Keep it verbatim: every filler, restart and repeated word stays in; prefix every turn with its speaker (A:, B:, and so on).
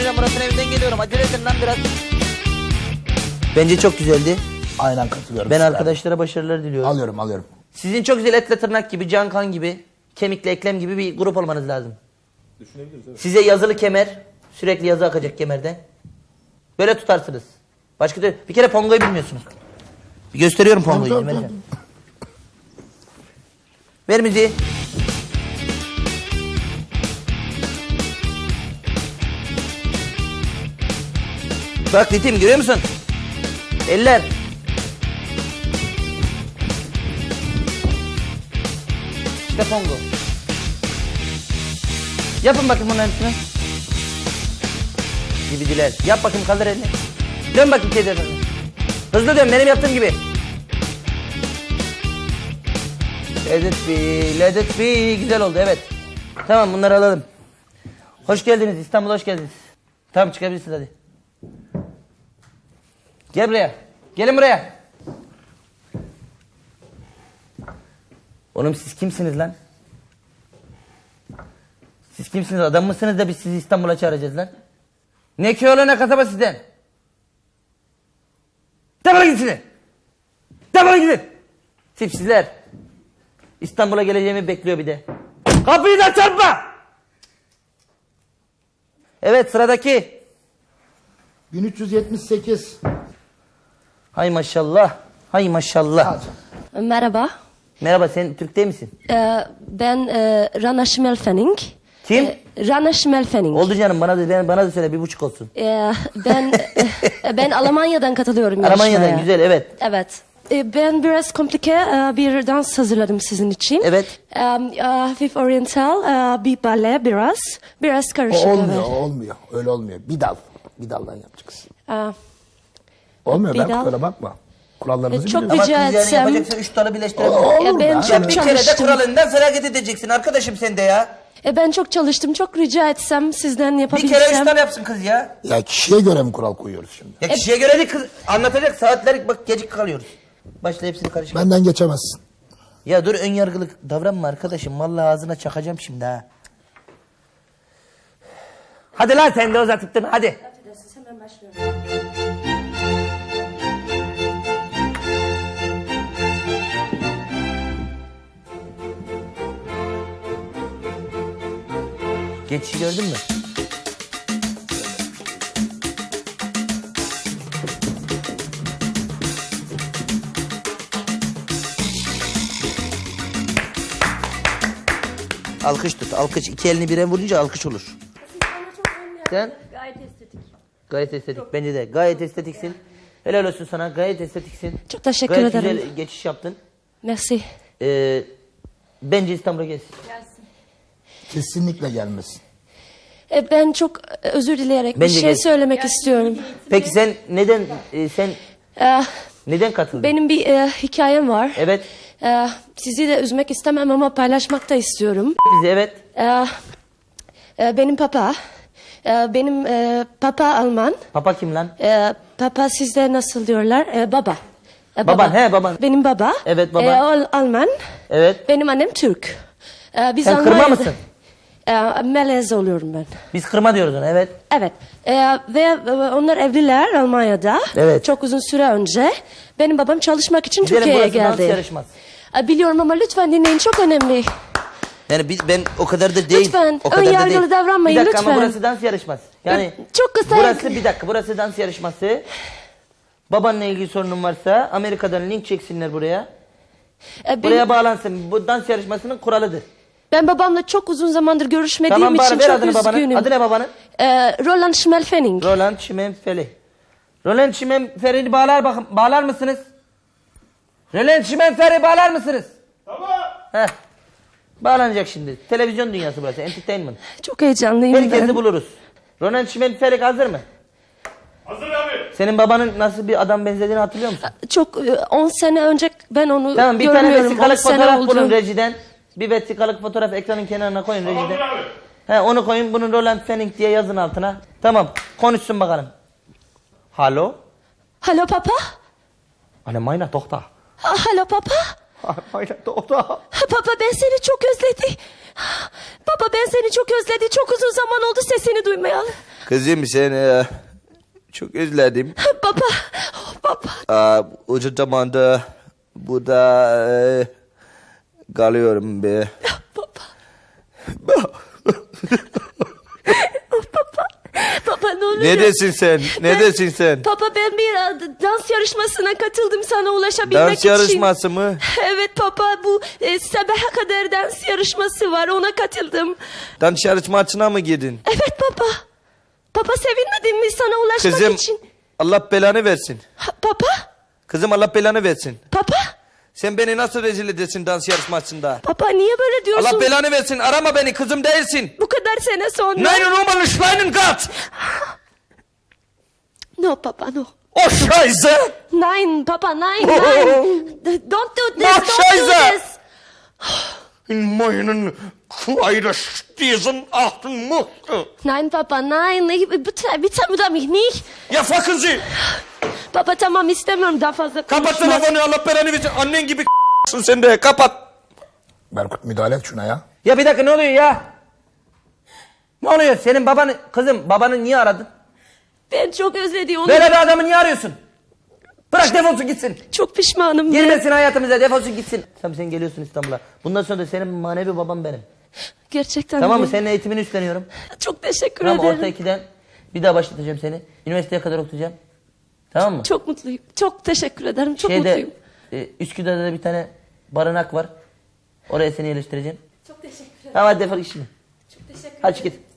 A: geleceğim. Murat'ın evinden geliyorum. Acele edin lan biraz. Bence çok güzeldi.
B: Aynen katılıyorum.
A: Ben
B: size.
A: arkadaşlara başarılar diliyorum.
B: Alıyorum alıyorum.
A: Sizin çok güzel etle tırnak gibi, can kan gibi, kemikle eklem gibi bir grup olmanız lazım.
C: Düşünebiliriz evet.
A: Size yazılı kemer, sürekli yazı akacak kemerden. Böyle tutarsınız. Başka da bir kere pongoyu bilmiyorsunuz. Bir gösteriyorum pongoyu.
B: Tamam, tamam,
A: Vereceğim. Ver müziği. Bak ritim görüyor musun? Eller. İşte pongo. Yapın bakayım bunların hepsini. Gibidiler. Yap bakayım, kaldır elini. Dön bakayım teyze. Hızlı dön benim yaptığım gibi. Let it be, let it be. Güzel oldu evet. Tamam bunları alalım. Hoş geldiniz İstanbul'a, hoş geldiniz. Tamam çıkabilirsiniz hadi. Gel buraya. Gelin buraya. Oğlum siz kimsiniz lan? Siz kimsiniz? Adam mısınız da biz sizi İstanbul'a çağıracağız lan? Ne köylü ne kasaba sizden? Defolun gitsin. Defolun gidin. Tipsizler. İstanbul'a geleceğimi bekliyor bir de. Kapıyı da çarpma. Evet sıradaki.
B: bin üç yüz yetmiş sekiz.
A: Hay maşallah. Hay maşallah.
D: Merhaba,
A: Merhaba sen Türk değil misin?
D: Ee, ben e, Rana Schmelfenning.
A: Kim?
D: Ee, Rana Schmelfenning.
A: Oldu canım bana da ben- bana da söyle bir buçuk olsun.
D: Ee, ben e, ben Almanya'dan katılıyorum
A: Almanya'dan
D: yarışmaya.
A: güzel evet.
D: Evet. Ee, ben biraz komplike e, bir dans hazırladım sizin için.
A: Evet.
D: Ee, e, hafif oriental, e, bir bale biraz. Biraz
B: O
D: karışık.
B: olmuyor,
D: evet.
B: o olmuyor. Öyle olmuyor. Bir dal. Bir daldan yapacaksın.
D: Ee,
B: Olmuyor,
D: Bir
B: ben
D: dal.
B: kurala bakma. Kurallarımızı
D: E, çok
B: biliyorum.
A: Ama
D: Rica
A: kız yani
D: etsem-
A: yapacaksın üç tane birleştiremezsin.
B: Olur
D: Ya ben
B: da.
D: çok
A: Ya bir kere de
D: çalıştım.
A: kuralından feragat edeceksin arkadaşım sen de ya.
D: e, ben çok çalıştım. Çok rica etsem sizden
A: Bir
D: yapabilsem.
A: kere üç tane yapsın kız ya.
B: Ya kişiye göre mi kural koyuyoruz şimdi?
A: Ya kişiye göre değil kız anlatacak saatler bak gecik kalıyoruz. Başla hepsini karışık.
B: Benden geçemezsin.
A: Ya dur ön yargılı davranma arkadaşım. Vallahi ağzına çakacağım şimdi ha. Hadi lan sen de uzatıp durma hadi.
D: Hemen başlıyorum.
A: Geçişi gördün mü? Alkış tut. Alkış. İki elini bire vurunca alkış olur. Sen?
D: Gayet estetik.
A: Gayet estetik. Bence de. Gayet estetiksin. Helal olsun sana. Gayet estetiksin.
D: Çok teşekkür
A: Gayet
D: ederim.
A: güzel geçiş yaptın.
D: Merci.
A: Ee, bence İstanbul'a gelsin.
B: Kesinlikle gelmesin.
D: E, ben çok e, özür dileyerek
A: Bence
D: bir şey
A: geç.
D: söylemek istiyorum.
A: Peki sen neden e, sen
D: E,
A: neden katıldın?
D: benim bir e, hikayem var.
A: Evet.
D: E, sizi de üzmek istemem ama paylaşmak da istiyorum.
A: Bizi evet.
D: E, e, benim papa, e, benim e, papa Alman.
A: Papa kim lan?
D: E, papa sizde nasıl diyorlar? E, baba. E,
A: Baban, he, baban.
D: Benim baba.
A: Evet, baban.
D: E, Al- Alman.
A: Evet.
D: Benim annem Türk. E, biz
A: Sen kırma
D: Almanya'da-
A: mısın?
D: E, melez oluyorum ben.
A: Biz kırma diyoruz ona evet.
D: Evet. Ee, ve e, onlar evliler Almanya'da.
A: Evet.
D: Çok uzun süre önce. Benim babam çalışmak için
A: Gidelim,
D: Türkiye'ye
A: burası dans
D: geldi.
A: yarışmaz.
D: Ee, biliyorum ama lütfen dinleyin, çok önemli.
A: Yani biz, ben o kadar da değil.
D: Lütfen,
A: o kadar
D: ön
A: da
D: yargılı
A: değil.
D: davranmayın,
A: Bir dakika ama
D: lütfen.
A: burası dans yarışması. Yani
D: Çok kısa-
A: Burası bir dakika burası dans yarışması. Babanla ilgili sorunun varsa Amerika'dan link çeksinler buraya.
D: Ee, benim-
A: Buraya bağlansın. Bu dans yarışmasının kuralıdır.
D: ben babamla çok uzun zamandır görüşmediğim
A: Tamam
D: için
A: bari ver
D: çok
A: adını babanın.
D: üzgünüm.
A: Adı ne babanın?
D: Ee, Roland Schmelfenning.
A: Roland Şimenfeli. Roland Şimenferi'ni bağlar bakın. Bağlar mısınız? Roland Şimenferi bağlar mısınız? Tamam. Heh. Bağlanacak şimdi. Televizyon dünyası burası. Entertainment.
D: Çok heyecanlıyım
A: Herkesi
D: ben.
A: buluruz. Roland Şimenferi hazır mı?
C: Hazır abi.
A: Senin babanın nasıl bir adam benzediğini hatırlıyor musun?
D: Çok e, on sene önce ben onu
A: Tamam bir tane
D: görmüyorum. on
A: vesikalık
D: sene
A: fotoğraf
D: oldu.
A: bulun rejiden. Bir vesikalık fotoğraf ekranın kenarına koyun
C: Hazır
A: rejiden.
C: abi.
A: He, onu koyun bunun Roland Fenning diye yazın altına. Tamam konuşsun bakalım. Halo?
D: Hallo papa?
A: Anne meine Tochter.
D: Ah, Hallo papa?
A: Meine Tochter.
D: Baba ben seni çok özledim. Baba ben seni çok özledim. Çok uzun zaman oldu sesini duymayalı.
A: Kızım seni çok özledim.
D: Baba, oh, baba.
A: Aa, uzun zamanda burada e, kalıyorum be.
D: Baba. Oh, baba. Baba ne oluyor?
A: Ne desin sen? Ne
D: Ben-
A: desin sen?
D: Baba ben bir e, dans yarışmasına katıldım sana ulaşabilmek
A: Dans
D: için.
A: yarışması mı?
D: Evet baba bu e, sabaha kadar dans yarışması var ona katıldım.
A: Dans yarışmasına mı girdin?
D: Evet baba. Baba sevinmedin mi sana ulaşmak
A: Kızım
D: için?
A: Allah belanı versin.
D: Ha, baba.
A: Kızım Allah belanı versin.
D: Baba.
A: Sen beni nasıl rezil edesin dans yarışmasında?
D: Baba niye böyle diyorsun?
A: Allah belanı versin. Arama beni, kızım değilsin.
D: Bu kadar sene sonra.
A: Nein Nummer Schweinen Gott.
D: No baba no.
A: Oh Scheiße.
D: Nein baba nein
A: Oh.
D: nein. Don't do this.
A: Mach
D: Don't do
A: Scheiße.
D: this.
A: In meinen Kleiderstiesen achten musste.
D: Nein Papa nein. Ich, bitte, bitte oder mich nicht.
A: Ya fakın Sie.
D: Baba tamam istemiyorum daha fazla
A: Kapat
D: konuşmak.
A: telefonu, Allah belanı versin. Annen gibi sen de kapat.
B: Berkut müdahale et şuna ya.
A: Ya bir dakika ne oluyor ya? Ne oluyor? Senin babanı, kızım babanı niye aradın?
D: Ben çok özledim onu.
A: Böyle bir adamı niye arıyorsun? Bırak defolsun gitsin.
D: Çok pişmanım. ben.
A: Girmesin hayatımıza, defolsun gitsin. Tamam sen geliyorsun İstanbul'a. Bundan sonra da senin manevi babam benim.
D: Gerçekten
A: Tamam mı?
D: mi?
A: Senin eğitimini üstleniyorum.
D: Çok teşekkür
A: Tamam
D: ederim.
A: orta ikiden bir daha başlatacağım seni. Üniversiteye kadar okutacağım. Tamam mı?
D: Çok mutluyum. Çok teşekkür ederim. Çok
A: Şeyde,
D: mutluyum.
A: e, Üsküdar'da da bir tane barınak var. Oraya seni yerleştireceğim.
D: Çok teşekkür ederim.
A: Tamam hadi defol git şimdi.
D: Çok teşekkür
A: Hadi git.